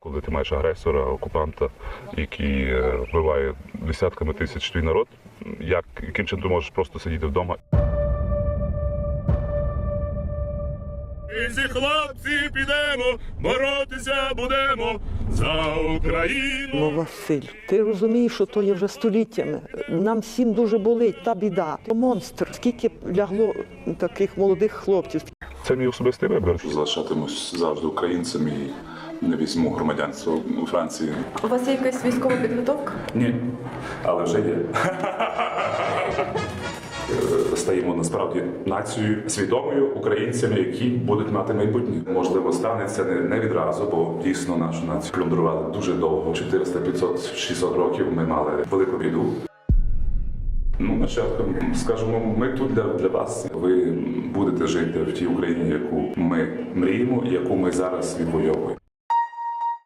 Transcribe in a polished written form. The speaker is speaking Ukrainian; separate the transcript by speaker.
Speaker 1: Коли ти маєш агресора, окупанта, який вбиває десятками тисяч твій народ, яким чином ти можеш просто сидіти вдома?
Speaker 2: Всі хлопці підемо, боротися будемо за Україну.
Speaker 3: Ну, Василь, ти розумієш, що то є вже століттями. Нам всім дуже болить та біда. То монстр. Скільки лягло таких молодих хлопців.
Speaker 1: Це мій особистий вибір.
Speaker 4: Залишатимусь завжди українцем і не візьму громадянство у Франції.
Speaker 5: У вас є якась військова підготовка?
Speaker 4: Ні, але вже є. Стаємо насправді нацією свідомою, українцями, які будуть мати майбутнє. Можливо, станеться не відразу, бо дійсно нашу націю плюндрували дуже довго. 400, 500, 600 років ми мали велику біду. Ну, нащадком, скажемо, ми тут для вас. Ви будете жити в тій Україні, яку ми мріємо і яку ми зараз відвоюємо.